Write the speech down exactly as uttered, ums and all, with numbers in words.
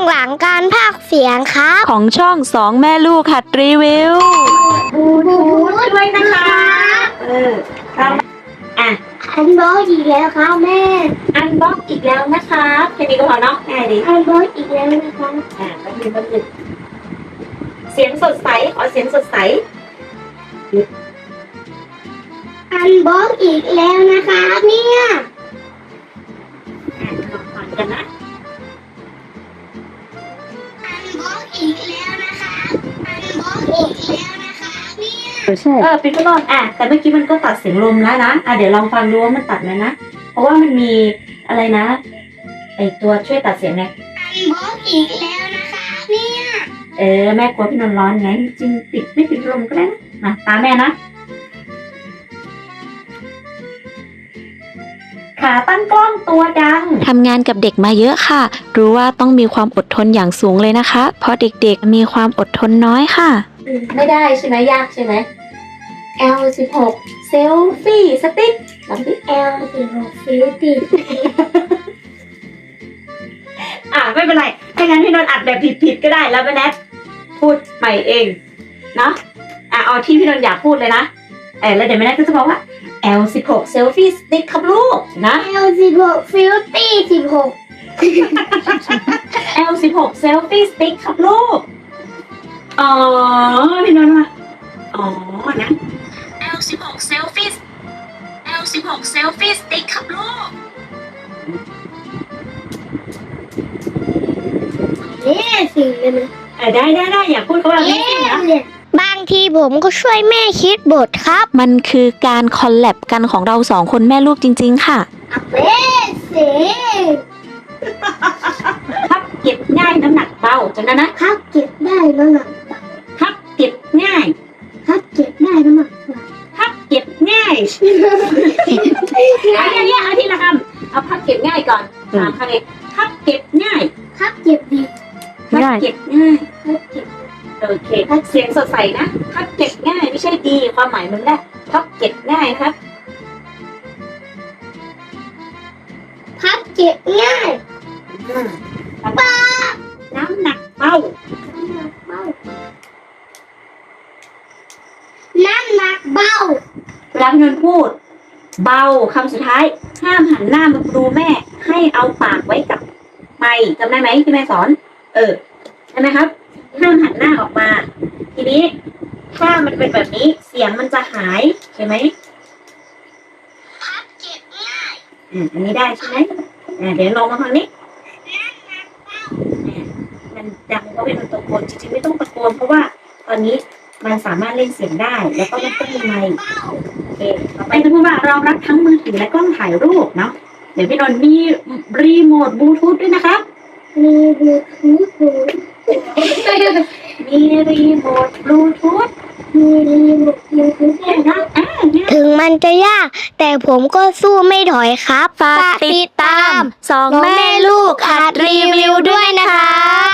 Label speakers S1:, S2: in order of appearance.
S1: หลังการพากย์เสียงครับ
S2: ของช่องสองแม่ลูกหัดรีวิว
S1: บลูทูธด้วยนะคะ
S3: เออเราอ่ะ
S1: อันบล็อกอีกแล้วครับแม่
S3: อันบ็อกอีกแล้วนะคะแค่นี้ก็พอเนาะง่ายดี
S1: อันบล็อกอีกแล้วนะคะ
S3: อ่ะแป๊บนึงแป๊บนึงเสียงสดใสขอเสียงสดใส
S1: อันบล็อกอีกแล้วนะคะเนี่ย
S3: อ่ะลองฟังกันนะ
S1: อันบล็อกอีกแล้วนะคะอันบล็อกอีกแล้วนะคะเนี่ย
S2: ใช่
S3: เออปิดก็ลองอ่ะแต่เมื่อกี้มันก็ตัดเสียงลมแล้วนะอ่ะเดี๋ยวลองฟังดูว่ามันตัดไหมนะเพราะว่ามันมีอะไรนะไอตัวช่วยตัดเสียงไง
S1: อันบล็อกอีกแล้วนะคะเนี่ย
S3: เออแม่กลัวพี่นนท์ร้อนไงจริงปิดไม่ปิดลมก็ได้นะมาตามแม่นะขาตั้งกล้องตัวดัง
S2: ทำงานกับเด็กมาเยอะค่ะรู้ว่าต้องมีความอดทนอย่างสูงเลยนะคะเพราะเด็กๆมีความอดทนน้อยค่ะ
S3: ไม่ได้ใช่ไหมยากใช่ไหม แอล สิบหก เซลฟี่สติ๊กลองดิ
S1: แอลสิบหกฟิลติด
S3: อ่ะไม่เป็นไรถ้างั้นพี่นนท์อัดแบบผิดๆก็ได้แล้วแม่แนทพูดใหม่เองเนาะอ่ะเอาที่พี่นนท์อยากพูดเลยนะเออแล้วเดี๋ยวแม่แนทก็จะบอกว่า แอล สิบหก เซลฟี่สติ๊กครับลูกนะ
S1: แอลสิบหกฟิลตี้สิบหก
S3: แอล สิบหก เซลฟี่สติ๊กครับลูกอ๋อพี่นนท์ว่าอ๋อนะ แอล สิบหก เซลฟี่ แอล สิบหก เซลฟี่สติ๊กครับลูก
S1: เอ๊ะสิเลยนะ
S3: อ่ะได้ได้ได้อย่าพูดเขาแบบนี้นะ
S1: บางทีผมก็ช่วยแม่คิดบทครับ
S2: มันคือการคอลแลบกันของเราสองคนแม่ลูกจริงๆค่ะ
S1: เอ๊ะสิ
S3: พับเก็บง่ายน้ำหนักเบาจนนั้นนะครับ
S1: เก็บได้น้ำหนัก
S3: พับเก็บง่าย
S1: ครับเก็บได้น้ำหนัก
S3: พับเก็บง่ายเอาอย่างเงี้ยเอาทีละคำเอาพับเก็บง่ายก่อนสามคำเองพับเก็บง่าย
S1: ครับเก็บดี
S3: พับเก็บง่าย
S1: ครับเก็บ
S3: โอเคเสียงสดใสนะพับเก็บง่ายไม่ใช่ดีความหมายมันแหละพับเก็บง่ายนะครับ
S1: พับเก็บง่าย
S3: ป้าน้ำหนักเบา
S1: น้ำหนักเบา
S3: เวลาพี่นนท์พูด เบาคำสุดท้ายห้ามหันหน้ามาดูแม่ให้เอาปากไว้กับไมค์จำได้ไหมที่แม่สอน เออใช่ไหมครับห้ามหันหน้าออกมา ทีนี้ถ้ามันเป็นแบบนี้เสียงมันจะหายใช่ไหม
S1: พับเก็บง่าย
S3: อ่าอันนี้ได้ใช่ไหมอ่าเดี๋ยวลองมาฟังนี้มันดังเพราะเป็นตะโกนจริงๆไม่ต้องตะโกนเพราะว่าตอนนี้มันสามารถเล่นเสียงได้แล้วก็ไม่ต้องมีไมค์โอเคต่อไปจะพูดว่ารองรับทั้งมือถือและกล้องถ่ายรูปเนาะเดี๋ยวพี่นนท์มีรีโมทบลูทูธด้วยนะครับ
S1: มีบลูทูธ
S3: มีรีโมทบลูทูธ
S1: มีรีโมทบลูทูธ
S3: เนี่ยนะอ่าเนี่ย
S1: ถึงมันจะยากแต่ผมก็สู้ไม่ถอยครับ
S2: ฝากติดตามสองแม่ลูกหัดรีวิวด้วยนะคะ